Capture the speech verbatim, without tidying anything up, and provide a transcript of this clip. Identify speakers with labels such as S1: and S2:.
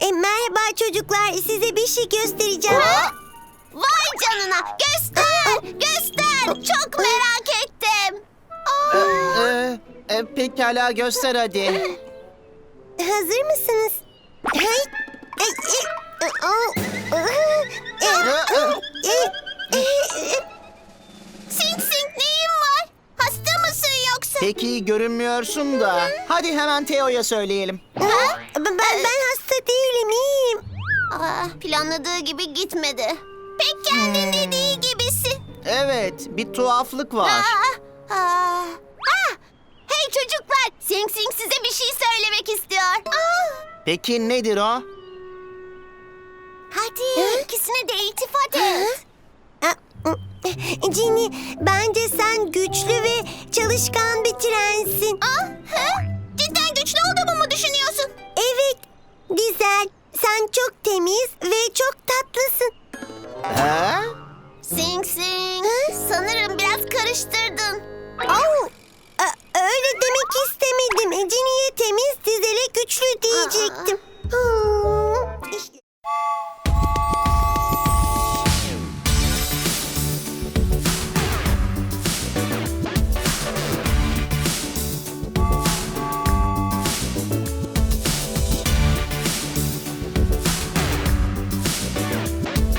S1: E, merhaba çocuklar, size bir şey göstereceğim.
S2: Ha? Vay canına, göster, göster. Çok merak ettim.
S3: Ee,
S2: Aa,
S3: e, e, pekala göster hadi.
S1: Hazır mısınız? Hay. E, e, e, o, e, e, e, e, e.
S2: Sing Sing neyin var? Hasta mısın yoksa?
S3: Peki görünmüyorsun da. Hadi hemen Teo'ya söyleyelim.
S1: Ha? Ben, ben hasta değilim, iyiyim.
S2: Aa, planladığı gibi gitmedi. Pek kendin dediği gibisin.
S3: Evet, bir tuhaflık var.
S2: Aa, aa. Ah! Hey çocuklar, Sing Sing size bir şey söylemek istiyor. Aa,
S3: Peki nedir o?
S2: hadi ikisine de iltifat et.
S1: Cini, bence sen güçlü ve çalışkan bir trensin.
S2: Ah, hı? Cidden güçlü olduğumu mu düşünüyorsun?
S1: Evet, güzel. Sen çok temiz ve çok tatlısın.
S3: Ha?
S2: Sing Sing, sanırım biraz karıştırdın.
S1: Oh, a- öyle demek istemedim. Cini'ye temiz, dizele güçlü diyecektim.